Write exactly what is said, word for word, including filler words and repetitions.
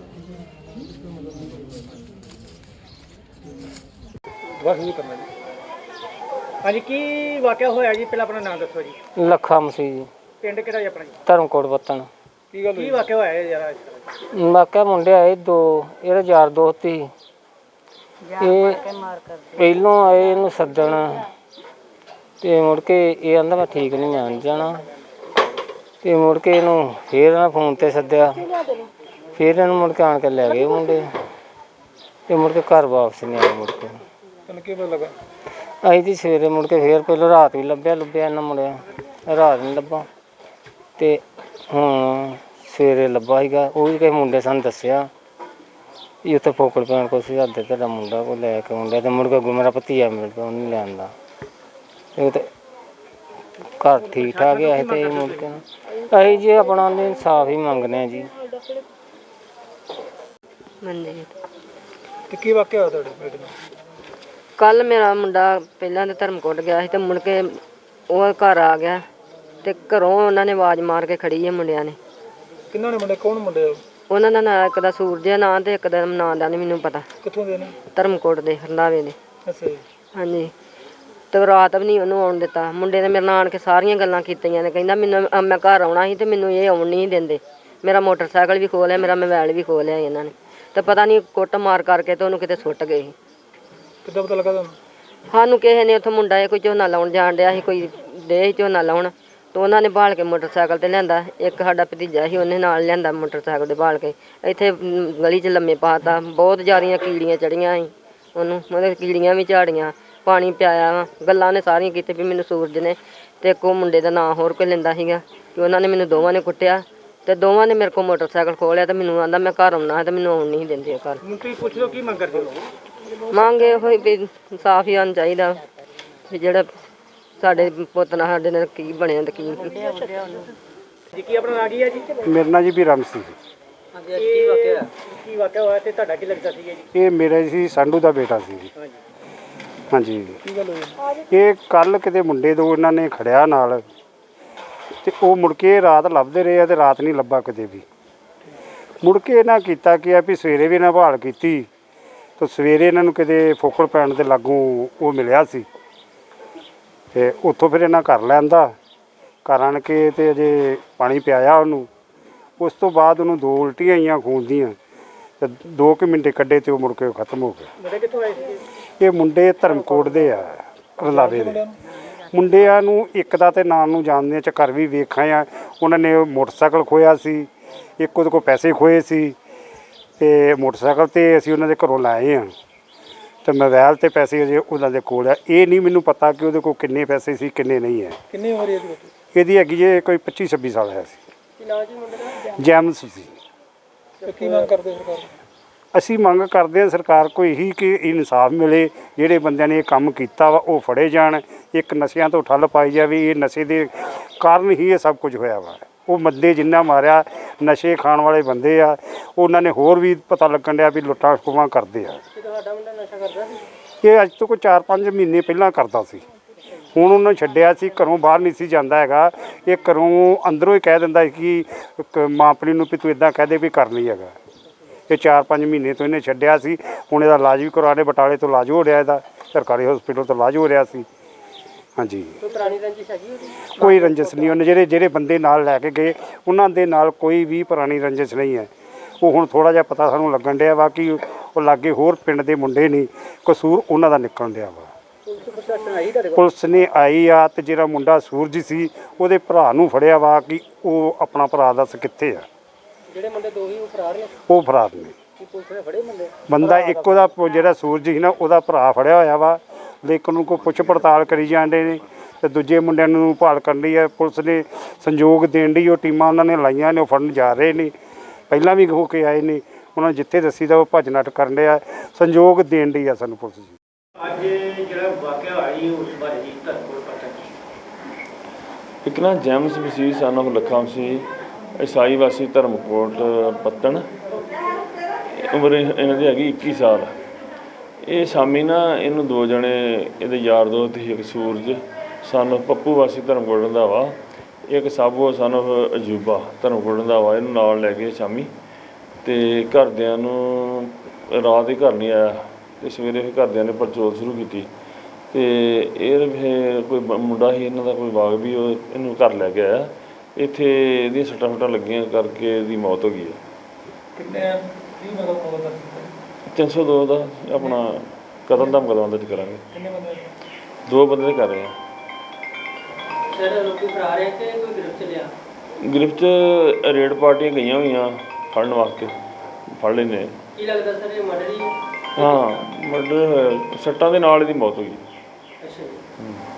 ਬਸ ਨਹੀਂ ਕਰਨਾ ਜੀ। ਹਾਂਜੀ ਕੀ ਵਾਕਿਆ ਹੋਇਆ ਜੀ? ਪਹਿਲਾਂ ਆਪਣਾ ਨਾਮ ਦੱਸੋ ਜੀ। ਲੱਖਾ ਮਸੀਹ ਜੀ, ਪਿੰਡ ਕਿਹੜਾ ਜੀ ਆਪਣਾ ਜੀ? ਧਰਮਕੋਟ ਬੱਤਣ। ਕੀ ਗੱਲ ਕੀ ਵਾਕਿਆ ਹੋਇਆ ਯਾਰ? ਵਾਕਿਆ ਮੁੰਡੇ ਆਏ ਦੋ, ਇਹਦਾ ਯਾਰ ਦੋਸਤ ਸੀ। ਇਹ ਪਹਿਲੋਂ ਆਏ ਇਹਨੂੰ ਸੱਦਣ ਤੇ ਮੁੜ ਕੇ ਇਹ ਕਹਿੰਦਾ ਮੈਂ ਠੀਕ ਨਹੀਂ, ਮੈਂ ਨਹੀਂ ਜਾਣਾ। ਤੇ ਮੁੜ ਕੇ ਇਹਨੂੰ ਫਿਰ ਇਹਨਾਂ ਫੋਨ ਤੇ ਸੱਦਿਆ, ਫਿਰ ਇਹਨੂੰ ਮੁੜ ਕੇ ਆਣ ਕੇ ਲੈ ਗਏ ਮੁੰਡੇ। ਤੇ ਮੁੜ ਕੇ ਘਰ ਵਾਪਸ ਨਹੀਂ ਆਏ। ਮੁੜ ਕੇ ਤੈਨੂੰ ਕੀ ਪਤਾ ਲੱਗਾ? ਅਸੀਂ ਜੀ ਸਵੇਰੇ ਮੁੜ ਕੇ ਫਿਰ ਪਹਿਲਾਂ ਰਾਤ ਵੀ ਲੱਭਿਆ ਲੱਭਿਆ ਇਹਨਾਂ ਮੁੰਡਿਆਂ, ਰਾਤ ਨਹੀਂ ਲੱਭਾ। ਤੇ ਹੁਣ ਸਵੇਰੇ ਲੱਭਾ ਸੀਗਾ, ਉਹ ਵੀ ਕਿਸੇ ਮੁੰਡੇ ਸਾਨੂੰ ਦੱਸਿਆ ਵੀ ਉੱਥੇ ਫੋਕੜ ਪੈਣ ਕੋਲ ਸੀ ਹੱਦ ਤੁਹਾਡਾ ਮੁੰਡਾ ਕੋਈ ਲੈ ਕੇ ਆਉਂਦਾ। ਤੇ ਮੁੜ ਕੇ ਮੇਰਾ ਭਤੀਆ ਮਿਲ ਪਿਆ, ਉਹਨੂੰ ਲਿਆਂਦਾ। ਇਹ ਤੇ ਘਰ ਠੀਕ ਠਾਕ ਹੈ। ਤੇ ਮੁੜ ਕੇ ਅਸੀਂ ਜੀ ਆਪਣਾ ਇਨਸਾਫ ਹੀ ਮੰਗਦੇ ਹਾਂ ਜੀ। ਤੇ ਕੀ ਵਾਕਿਆ ਹੋਇਆ ਤੁਹਾਡੇ ਬੇਟੇ ਨਾਲ? ਕੱਲ ਮੇਰਾ ਮੁੰਡਾ ਪਹਿਲਾਂ ਤਾਂ ਧਰਮਕੋਟ ਗਿਆ ਸੀ ਤੇ ਮੁੜ ਕੇ ਉਹ ਘਰ ਆ ਗਿਆ ਤੇ ਘਰੋਂ ਉਹਨਾਂ ਨੇ ਆਵਾਜ਼ ਮਾਰ ਕੇ ਖੜੀ ਹੈ ਮੁੰਡਿਆਂ ਨੇ। ਕਿੰਨਾਂ ਨੇ ਮੁੰਡੇ? ਕੌਣ ਮੁੰਡੇ? ਉਹਨਾਂ ਦਾ ਨਾਂ ਇੱਕ ਦਾ ਸੂਰਜ ਨਾਂ ਤੇ ਇੱਕ ਦਾ ਨਾਂ ਦਾ ਨਹੀਂ ਮੈਨੂੰ ਪਤਾ। ਕਿੱਥੋਂ ਦੇ ਨੇ? ਧਰਮਕੋਟ ਦੇ, ਰੰਧਾਵੇ ਦੇ। ਅੱਛਾ ਜੀ। ਹਾਂਜੀ। ਤੇ ਰਾਤ ਵੀ ਨਹੀਂ ਉਹਨੂੰ ਆਉਣ ਦਿੱਤਾ। ਮੁੰਡੇ ਨੇ ਮੇਰੇ ਨਾਲ ਆਣ ਕੇ ਸਾਰੀਆਂ ਗੱਲਾਂ ਕੀਤੀਆਂ ਨੇ। ਕਹਿੰਦਾ ਮੈਨੂੰ ਮੈਂ ਘਰ ਆਉਣਾ ਸੀ ਤੇ ਮੈਨੂੰ ਇਹ ਆਉਣ ਨਹੀਂ ਦਿੰਦੇ। ਮੇਰਾ ਮੋਟਰਸਾਈਕਲ ਵੀ ਖੋਹ ਲਿਆ, ਮੇਰਾ ਮੋਬਾਈਲ ਵੀ ਖੋਹ ਲਿਆ ਇਹਨਾਂ ਨੇ। ਤੇ ਪਤਾ ਨਹੀਂ ਕੁੱਟ ਮਾਰ ਕਰਕੇ ਤੇ ਉਹਨੂੰ ਕਿਤੇ ਸੁੱਟ ਗਏ ਸੀ। ਕਿੱਦਾਂ ਪਤਾ ਲੱਗਾ ਤੁਹਾਨੂੰ? ਸਾਨੂੰ ਕਿਸੇ ਨੇ ਉੱਥੋਂ ਮੁੰਡਾ ਇਹ ਕੋਈ ਝੋਨਾ ਲਾਉਣ ਜਾਣ ਡਿਆ ਸੀ, ਕੋਈ ਡੇ ਝੋਨਾ ਲਾਉਣ। ਤੇ ਉਹਨਾਂ ਨੇ ਬਾਲ ਕੇ ਮੋਟਰਸਾਈਕਲ ਤੇ ਲਿਆਂਦਾ। ਇੱਕ ਸਾਡਾ ਭਤੀਜਾ ਸੀ, ਉਹਨੇ ਨਾਲ ਲਿਆਂਦਾ ਮੋਟਰਸਾਈਕਲ ਤੇ ਬਾਲ ਕੇ। ਇੱਥੇ ਗਲੀ 'ਚ ਲੰਮੇ ਪਾਤਾ। ਬਹੁਤ ਜ਼ਿਆਦੀਆਂ ਕੀੜੀਆਂ ਚੜੀਆਂ ਸੀ ਉਹਨੂੰ, ਮਤਲਬ ਕੀੜੀਆਂ ਵੀ ਝਾੜੀਆਂ। ਪਾਣੀ ਪਿਆਇਆ ਵਾ। ਗੱਲਾਂ ਨੇ ਸਾਰੀਆਂ ਕੀਤੀਆਂ ਵੀ ਮੈਨੂੰ ਸੂਰਜ ਨੇ ਤੇ ਇੱਕ ਉਹ ਮੁੰਡੇ ਦਾ ਨਾਂ ਹੋਰ ਕੋਈ ਲੈਂਦਾ ਸੀਗਾ ਕਿ ਉਹਨਾਂ ਨੇ ਮੈਨੂੰ ਦੋਵਾਂ ਨੇ ਕੁੱਟਿਆ ਤੇ ਦੋਵਾਂ ਨੇ ਮੇਰੇ ਕੋਲ ਮੋਟਰਸਾਈਕਲ ਖੋਹ ਲਿਆ। ਤੇ ਮੈਨੂੰ ਆਂਦਾ ਮੈਂ ਘਰ ਆਉਣਾ ਤੇ ਮੈਨੂੰ ਆਉਣ ਨਹੀਂ ਦਿੰਦੇ ਘਰ। ਤੁਸੀਂ ਪੁੱਛ ਲਓ ਕੀ ਮੰਗ ਕਰਦੇ ਹੋ? ਮੰਗ ਇਹੋ ਹੀ ਵੀ ਇਨਸਾਫ ਹੀ ਆਉਣਾ ਚਾਹੀਦਾ ਵੀ ਜਿਹੜਾ ਸਾਡੇ ਪੁੱਤ ਨਾਲ ਸਾਡੇ ਨਾਲ ਕੀ ਬਣਿਆ ਤੇ ਕੀ ਜੀ। ਕੀ ਆਪਣਾ ਨਾਂ ਕੀ ਹੈ ਜੀ? ਮੇਰਾ ਨਾਂ ਜੀ ਵੀਰਮ ਸਿੰਘ। ਹਾਂਜੀ। ਕੀ ਵਾਕਿਆ ਕੀ ਵਾਕਿਆ ਹੋਇਆ ਤੇ ਤੁਹਾਡਾ ਕੀ ਲੱਗਦਾ ਸੀਗਾ ਜੀ? ਇਹ ਮੇਰਾ ਸੀ ਸੰਧੂ ਦਾ ਬੇਟਾ ਸੀ ਜੀ। ਹਾਂਜੀ। ਹਾਂਜੀ। ਕੀ ਗੱਲ ਹੋਈ? ਇਹ ਕੱਲ ਕਿਤੇ ਮੁੰਡੇ ਦੋ ਇਹਨਾਂ ਨੇ ਖੜਿਆ ਨਾਲ ਤੇ ਉਹ ਮੁੜ ਕੇ ਰਾਤ ਲੱਭਦੇ ਰਹੇ ਆ ਤੇ ਰਾਤ ਨਹੀਂ ਲੱਭਾ ਕਿਤੇ ਵੀ। ਮੁੜ ਕੇ ਇਹਨਾਂ ਕੀਤਾ ਕੀ ਆ ਵੀ ਸਵੇਰੇ ਵੀ ਇਹਨਾਂ ਭਾਲ ਕੀਤੀ ਤੇ ਸਵੇਰੇ ਇਹਨਾਂ ਨੂੰ ਕਿਤੇ ਫੋਕਲ ਪੈਣ ਦੇ ਲਾਗੋਂ ਉਹ ਮਿਲਿਆ ਸੀ ਤੇ ਉੱਥੋਂ ਫਿਰ ਇਹਨਾਂ ਘਰ ਲੈਂਦਾ। ਘਰ ਆਣ ਕੇ ਤੇ ਅਜੇ ਪਾਣੀ ਪਿਆਇਆ ਉਹਨੂੰ। ਉਸ ਤੋਂ ਬਾਅਦ ਉਹਨੂੰ ਦੋ ਉਲਟੀਆਂ ਆਈਆਂ ਖੂਨ ਦੀਆਂ ਤੇ ਦੋ ਕੁ ਮਿੰਟੇ ਕੱਢੇ ਤੇ ਉਹ ਮੁੜ ਕੇ ਖਤਮ ਹੋ ਗਿਆ। ਮੁੰਡੇ ਕਿੱਥੋਂ ਆਏ ਸੀਗੇ? ਇਹ ਮੁੰਡੇ ਧਰਮਕੋਟ ਦੇ ਆ, ਰੰਧਾਵੇ ਦੇ। ਮੁੰਡਿਆਂ ਨੂੰ ਇੱਕ ਦਾ ਤੇ ਨਾਂ ਨੂੰ ਜਾਣਦੇ ਆ, ਘਰ ਵੀ ਵੇਖਾਂ ਆ। ਉਹਨਾਂ ਨੇ ਮੋਟਰਸਾਈਕਲ ਖੋਇਆ ਸੀ, ਇੱਕ ਉਹਦੇ ਕੋਲ ਪੈਸੇ ਖੋਏ ਸੀ ਤੇ ਮੋਟਰਸਾਈਕਲ ਤੇ ਅਸੀਂ ਉਹਨਾਂ ਦੇ ਘਰੋਂ ਲਾਏ ਆ ਤੇ ਮੋਬਾਈਲ ਤੇ ਪੈਸੇ ਅਜੇ ਉਹਨਾਂ ਦੇ ਕੋਲ ਆ। ਇਹ ਨਹੀਂ ਮੈਨੂੰ ਪਤਾ ਕਿ ਉਹਦੇ ਕੋਲ ਕਿੰਨੇ ਪੈਸੇ ਸੀ ਕਿੰਨੇ ਨਹੀਂ ਹੈ। ਕਿੰਨੀ ਉਮਰ ਹੈ ਇਹਦੀ? ਇਹਦੀ ਹੈਗੀ ਜੇ ਕੋਈ ਪੱਚੀ ਛੱਬੀ ਸਾਲ ਹੈ ਸੀ। ਕੀ ਨਾਂ ਜੀ ਮੁੰਡੇ ਦਾ? ਜੈਮਸ ਸੀ। ਤੇ ਕੀ ਮੰਗ ਕਰਦੇ ਸਰਕਾਰ? ਅਸੀਂ ਮੰਗ ਕਰਦੇ ਹਾਂ ਸਰਕਾਰ ਕੋਈ ਇਹੀ ਕਿ ਇਨਸਾਫ ਮਿਲੇ। ਜਿਹੜੇ ਬੰਦਿਆਂ ਨੇ ਇਹ ਕੰਮ ਕੀਤਾ ਵਾ ਉਹ ਫੜੇ ਜਾਣ। ਇੱਕ ਨਸ਼ਿਆਂ ਤੋਂ ਠੱਲ ਪਾਈ ਜਾਵੇ। ਇਹ ਨਸ਼ੇ ਦੇ ਕਾਰਨ ਹੀ ਇਹ ਸਭ ਕੁਝ ਹੋਇਆ ਵਾ। ਉਹ ਮੱਦੇ ਜਿੰਨਾ ਮਾਰਿਆ, ਨਸ਼ੇ ਖਾਣ ਵਾਲੇ ਬੰਦੇ ਆ, ਉਹਨਾਂ ਨੇ ਹੋਰ ਵੀ ਪਤਾ ਲੱਗਣ ਡਿਆ ਵੀ ਲੁੱਟਾਂ ਖੋਹਾਂ ਕਰਦੇ ਆ। ਤੁਹਾਡਾ ਮੁੰਡਾ ਨਸ਼ਾ ਕਰਦਾ ਸੀ? ਇਹ ਅੱਜ ਤੋਂ ਕੋਈ ਚਾਰ ਪੰਜ ਮਹੀਨੇ ਪਹਿਲਾਂ ਕਰਦਾ ਸੀ। ਹੁਣ ਉਹਨੂੰ ਛੱਡਿਆ ਸੀ, ਘਰੋਂ ਬਾਹਰ ਨਹੀਂ ਸੀ ਜਾਂਦਾ ਹੈਗਾ। ਇਹ ਘਰੋਂ ਅੰਦਰੋਂ ਹੀ ਕਹਿ ਦਿੰਦਾ ਸੀ ਕਿ ਮਾਂ ਆਪਣੀ ਨੂੰ ਵੀ ਤੂੰ ਇੱਦਾਂ ਕਹਿ ਦੇ ਵੀ ਕਰ ਨਹੀਂ ਹੈਗਾ। ਇਹ ਚਾਰ ਪੰਜ ਮਹੀਨੇ ਤੋਂ ਇਹਨੇ ਛੱਡਿਆ ਸੀ। ਹੁਣ ਇਹਦਾ ਇਲਾਜ ਵੀ ਕਰਵਾ ਰਹੇ, ਬਟਾਲੇ ਤੋਂ ਇਲਾਜ ਹੋ ਰਿਹਾ, ਇਹਦਾ ਸਰਕਾਰੀ ਹਸਪੀਟਲ ਤੋਂ ਇਲਾਜ ਹੋ ਰਿਹਾ ਸੀ। ਹਾਂਜੀ। ਕੋਈ ਪੁਰਾਣੀ ਰੰਜਿਸ਼ ਹੈਗੀ ਉਹਦੀ? ਕੋਈ ਰੰਜਿਸ਼ ਨਹੀਂ। ਉਹਨੇ ਜਿਹੜੇ ਜਿਹੜੇ ਬੰਦੇ ਨਾਲ ਲੈ ਕੇ ਗਏ ਉਹਨਾਂ ਦੇ ਨਾਲ ਕੋਈ ਵੀ ਪੁਰਾਣੀ ਰੰਜਿਸ਼ ਨਹੀਂ ਹੈ। ਉਹ ਹੁਣ ਥੋੜ੍ਹਾ ਜਿਹਾ ਪਤਾ ਸਾਨੂੰ ਲੱਗਣ ਡਿਆ ਵਾ ਕਿ ਉਹ ਲਾਗੇ ਹੋਰ ਪਿੰਡ ਦੇ ਮੁੰਡੇ ਨਹੀਂ, ਕਸੂਰ ਉਹਨਾਂ ਦਾ ਨਿਕਲਣ ਡਿਆ ਵਾ। ਪੁਲਿਸ ਨੇ ਆਈ ਆ ਤੇ ਜਿਹੜਾ ਮੁੰਡਾ ਸੂਰਜ ਸੀ ਉਹਦੇ ਭਰਾ ਨੂੰ ਫੜਿਆ ਵਾ ਕਿ ਉਹ ਆਪਣਾ ਭਰਾ ਦੱਸ ਕਿੱਥੇ ਆ। ਜਿਹੜੇ ਮੁੰਡੇ ਦੋ ਹੀ ਉਹ ਫਰਾਰ ਨੇ? ਉਹ ਫਰਾਰ ਨੇ। ਕੀ ਪੁਲਿਸ ਨੇ ਫੜੇ ਬੰਦੇ? ਬੰਦਾ ਇੱਕ ਉਹਦਾ ਜਿਹੜਾ ਸੂਰਜ ਸੀ ਨਾ ਉਹਦਾ ਭਰਾ ਫੜਿਆ ਹੋਇਆ ਵਾ, ਲੇਕਿਨ ਉਹਨੂੰ ਕੋਈ ਪੁੱਛ ਪੜਤਾਲ ਕਰੀ ਜਾਂਦੇ ਨੇ ਤੇ ਦੂਜੇ ਮੁੰਡਿਆਂ ਨੂੰ ਭਾਲ ਕਰਨ ਲਈ ਹੈ। ਪੁਲਿਸ ਨੇ ਸੰਯੋਗ ਦੇਣ ਲਈ ਉਹ ਟੀਮਾਂ ਉਹਨਾਂ ਨੇ ਲਾਈਆਂ ਨੇ, ਉਹ ਫੜਨ ਜਾ ਰਹੇ ਨੇ। ਪਹਿਲਾਂ ਵੀ ਹੋ ਕੇ ਆਏ ਨੇ। ਉਹਨਾਂ ਨੂੰ ਜਿੱਥੇ ਦੱਸੀ ਦਾ ਉਹ ਭੱਜ ਨੱਠ ਕਰਨ ਡਿਆ, ਸੰਯੋਗ ਦੇਣ ਲਈ ਆ ਸਾਨੂੰ ਪੁਲਿਸ ਜੀ। ਅੱਜ ਜਿਹੜਾ ਵਾਕਿਆ ਹੋਇਆ ਜੀ ਉਸ ਬਾਰੇ ਜੀ ਧਰਮਕੋਟ ਪਤਾ ਇੱਕ ਨਾ James Masih son of Lakha Masih, ਈਸਾਈ ਵਾਸੀ ਧਰਮਕੋਟ ਪੱਤਣ। ਉਮਰ ਇਹਨਾਂ ਦੀ ਹੈਗੀ ਇੱਕੀ ਸਾਲ। ਇਹ ਸ਼ਾਮੀ ਨਾ ਇਹਨੂੰ ਦੋ ਜਣੇ ਇਹਦੇ ਯਾਰ ਦੋਸਤ ਸੀ, ਇੱਕ ਸੂਰਜ ਸਨ ਆਫ ਪੱਪੂ ਵਾਸੀ ਧਰਮਕੋਟ ਰੰਧਾਵਾ, ਇੱਕ ਸਾਬੋ ਸਨ ਆਫ ਅਜੂਬਾ ਧਰਮਕੋਟ ਰੰਧਾਵਾ, ਇਹਨੂੰ ਨਾਲ ਲੈ ਗਏ ਸ਼ਾਮੀ ਤੇ ਘਰਦਿਆਂ ਨੂੰ ਰਾਤ ਹੀ ਘਰ ਨਹੀਂ ਆਇਆ ਤੇ ਸਵੇਰੇ ਫਿਰ ਘਰਦਿਆਂ ਨੇ ਪੜਚੋਲ ਸ਼ੁਰੂ ਕੀਤੀ ਤੇ ਇਹ ਫਿਰ ਕੋਈ ਬ- ਮੁੰਡਾ ਸੀ ਇਹਨਾਂ ਦਾ ਕੋਈ ਬਾਗ ਵੀ ਉਹ ਇਹਨੂੰ ਘਰ ਲੈ ਕੇ ਆਇਆ। ਇੱਥੇ ਇਹਦੀਆਂ ਸੱਟਾਂ ਫੱਟਾਂ ਲੱਗੀਆਂ ਕਰਕੇ ਇਹਦੀ ਮੌਤ ਹੋ ਗਈ ਹੈ। ਕਿੰਨੇ ਕੀ ਮਤਲਬ ਮੌਤ ਦਾ ਤਿੰਨ ਸੌ ਦੋ ਦਾ ਆਪਣਾ ਕਤਲ ਦਾ ਮੁਕੱਦਮਾ ਦਰਜ ਕਰਾਂਗੇ। ਕਿੰਨੇ ਬੰਦੇ ਦੋ ਬੰਦੇ ਦੇ ਕਰ ਰਹੇ ਆ। ਸਰ ਲੋਕੀ ਫਰਾਰ ਹੈ ਕਿ ਕੋਈ ਗ੍ਰਿਫਤ ਲਿਆ? ਗ੍ਰਿਫਤ ਰੇਡ ਪਾਰਟੀਆਂ ਗਈਆਂ ਹੋਈਆਂ ਫੜਨ ਵਾਸਤੇ, ਫੜ ਲੈਂਦੇ। ਕੀ ਲੱਗਦਾ ਸਰ ਇਹ ਮਰਡਰ ਹੀ ਹੈ? ਹਾਂ ਮਰਡਰ ਹੋਇਆ, ਸੱਟਾਂ ਦੇ ਨਾਲ ਇਹਦੀ ਮੌਤ ਹੋ ਗਈ। ਅੱਛਾ ਜੀ। ਹੂੰ।